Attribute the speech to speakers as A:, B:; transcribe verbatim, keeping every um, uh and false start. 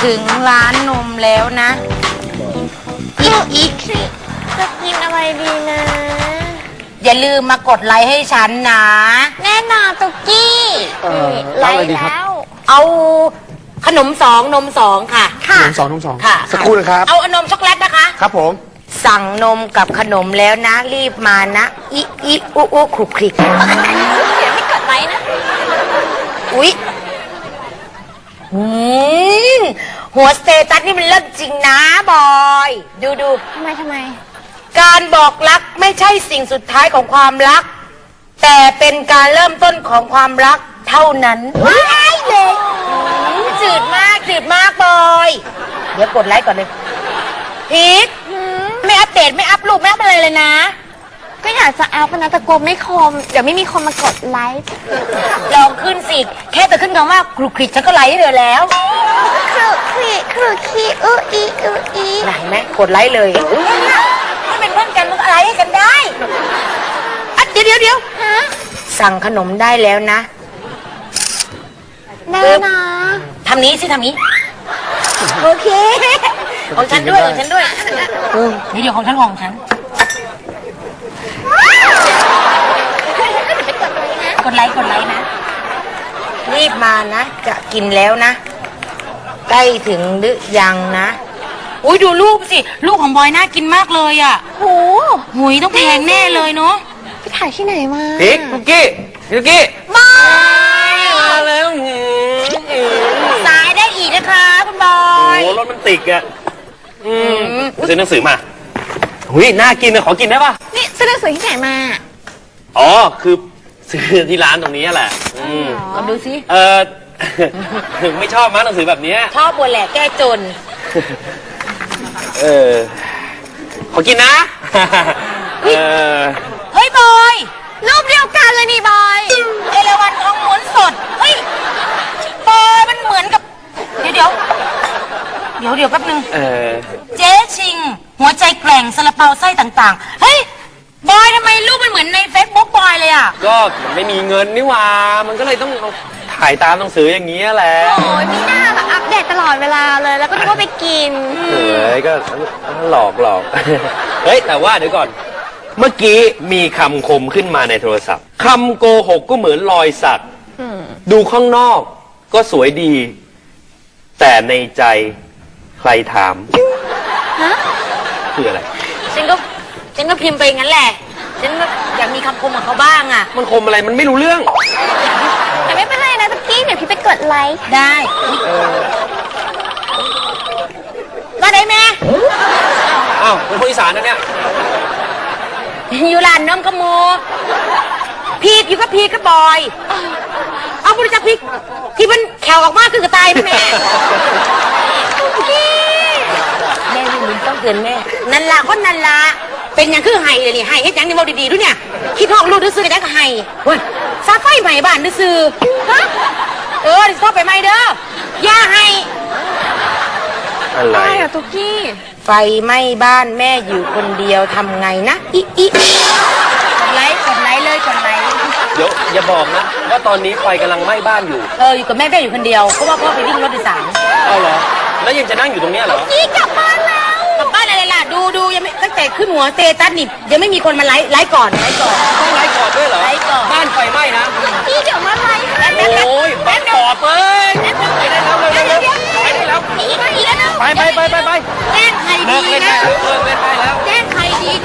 A: ถึงร้านนมแล้วนะอีกอีก
B: จะกินอะไรดีนะ
A: อย่าลืมมากดไลค์ให้ฉันนะ
B: แน่นอนตุกกี้ไลค์แล้ว
A: เอาขนมสองนมสองค่ะ
B: ค่ะ
C: นมสองนมสอง
A: ค่ะ
C: สักครู่นะครับ
A: เอาอนมช็อกโกแลตนะคะ
C: ครับผม
A: สั่งนมกับขนมแล้วนะ รีบมานะอีอีอุอุคลุกคลิก
B: เดี๋ยวไม่กดไลค์นะ
A: อุ๊ยอืมหัวสเตตัสนี่มันเลิศจริงนะบอย ดูดู
B: ทำไมทำไม
A: การบอกรักไม่ใช่สิ่งสุดท้ายของความรัก แต่เป็นการเริ่มต้นของความรักเท่านั้นว้ายเลยอืมจืดมากจืดมากบอย เดี๋ยวกดไลค์ก่อนเลยพีทไม่อัปเดตไม่อัพรูปไม่อัพอะไรเลยนะ
B: ก็อยากจะอัพนะแต่กลัวไม่คม เดี๋ยวไม่มีคนมากดไลค์
A: ลองขึ้นสิ แค่แต่ขึ้นคำว่าคลุกคลิกฉันก็ไลค์ให้เธอแล้ว
B: ครุครีครุคีอืออีอืออี
A: ไหนไหมกดไลค์เลยถ้าเป็นเพื่อนกันมันก็ไลค์ให้กันได้อ่ะเดี๋ยวเดี๋ยวเดี๋ยว
B: ฮะ
A: สั่งขนมได้แล้วนะ
B: แน่นะ
A: ทำนี้สิทำนี้ โอเค ของฉันด้วยของฉันด้วยเดี๋ยวเดี๋ยวของฉันของฉัน กดไลค์กดไลค์นะ รีบมานะ จะกินแล้วนะ ใกล้ถึงหรือยังนะ อุ้ยดูรูปสิ รูปของบอยน่ากินมากเลยอ่ะ
B: โห
A: หุยต้องแพงแน่เลยเนาะ
B: ไปถ่ายที่ไหนมา
C: พิกคุกกี้คุกกี้
A: บอย
C: มาแล้ว
A: สายได้อีกนะคะคุณบอ
C: โอ้
A: ย
C: โหรถมันติดอ่ะอืมซื้อหนังสือมาหุยน่ากินนะขอกินได้ป่ะ
B: นี่ซื้อหนังสือที่ไหนมา
C: อ๋อคือซื้อที่ร้านตรงนี้แหละอืม
A: ลองดูสิ
C: เออ ไม่ชอบมั้งหนังสือแบบเนี้ย
A: ชอบบนแหละแก้จน
C: เออขอกินนะ เออ
A: เฮ้ยบอย
B: รูปเดียวกันเลยนี่บอย
A: เอราวัณทองม้วนสด เฮ้ยบอยมันเหมือนกับ เดี๋ยวเดี๋ยวเดี๋ยวเดี๋ยวแป๊บนึง
C: เออ
A: เจ๊ชิง หัวใจแกร่งซาลาเปาไส้ต่างๆ เฮ้ย บอยทำไมรูปมันเหมือนในเฟซบุ๊กบอยเลยอ่ะ
C: ก็มันไม่มีเงินนี่หว่า มันก็เลยต้องเอาถ่ายตามหนังสืออย่างนี้ยแหละ
B: โอ้ยมีหน้าแบบอัปเดตตลอดเวลาเลย แล้วก็นึกว่าไปกิน
C: เฮ้ยก็หลอกหลอก เฮ้ยแต่ว่าเดี๋ยวก่อน เมื่อกี้มีคำคมขึ้นมาในโทรศัพท์คำโกหกก็เหมือนรอยสักดูข้างนอกก็สวยดี แต่ในใจใครถาม
B: ฮะ
C: คืออะไร
A: ฉันก็ฉันก็พิมพ์ไปงั้นแหละ ฉันก็อยากมีคำคมของเขาบ้างอ่ะ
C: มันคมอะไรมันไม่รู้เรื่อง
B: แต่ไม่เป็นไรนะตะกี้เดี๋ยวพี่ไปกดไลค์
A: ได้มาได้แม่
C: อ้าวเป็นคนอีสานนะเนี่ย
A: อยู่ร้านน้ำขโมยพีกอยู่กับพีกกับบอย เอาบริจาคพีกที่มันแขวออกมาคือกระต่ายนะแม่แม่ไม่ลืมต้องเตือนแม่ นันละคนนันละเป็นอย่างคือไห้เลยนี่ไห้เฮ็ดหยังนี่เมาดีๆด้วยเนี่ยคิดห้องลูกดื้อซื้อกันยังก็ไห้เฮ้ยซาไฟใหม่บ้านดื้อซื้อฮะเออดิสโทรไปใหม่เด้อย่าให้
C: อะไร
B: อะไรอะตุกกี้
A: ไฟไหม้บ้านแม่อยู่คนเดียวทำไงนะอีอีกดไลค์กดไลค์เลยกดไลค์
C: เดี๋ยวอย่าบอกนะ ว่าตอนนี้ไฟกำลังไหม้บ้านอยู่
A: เอออยู่กับแม่แม่อยู่คนเดียวเพราะว่าพ่อไปวิ่งรถโดยสาร
C: เอาเหรอ แล้วยังจะนั่งอยู่ตรงเนี้ยเหรอ
A: นี่กลับบ้านแล้วกลับบ้านอะไรล่ะดูดูยังไม่ตั้งแต่ขึ้นหัวเตตัสนี่ยังไม่มีคนมาไลค์ไลค์ก่อนไลค์ก่อน
C: ต้องไล่ก่อนด้วยเหรอ
A: ไล่ก่อน
C: บ้านไฟไหม้นะ
B: พี่เดี๋ยวมาไลค์ให้
C: โอ้ยบ้านขอบเอ้ยไปได้แล้วเร็วเร็วไปได้แล้ว
A: อีกอีกแล้ว
C: ไปไปไปไปไป
A: แจ้งใคร
C: เลิ
A: ดี
C: กเล่น
A: นะ
C: ได้แล้วเลิกเล่นได้แล้ว
A: แจ้งใครดี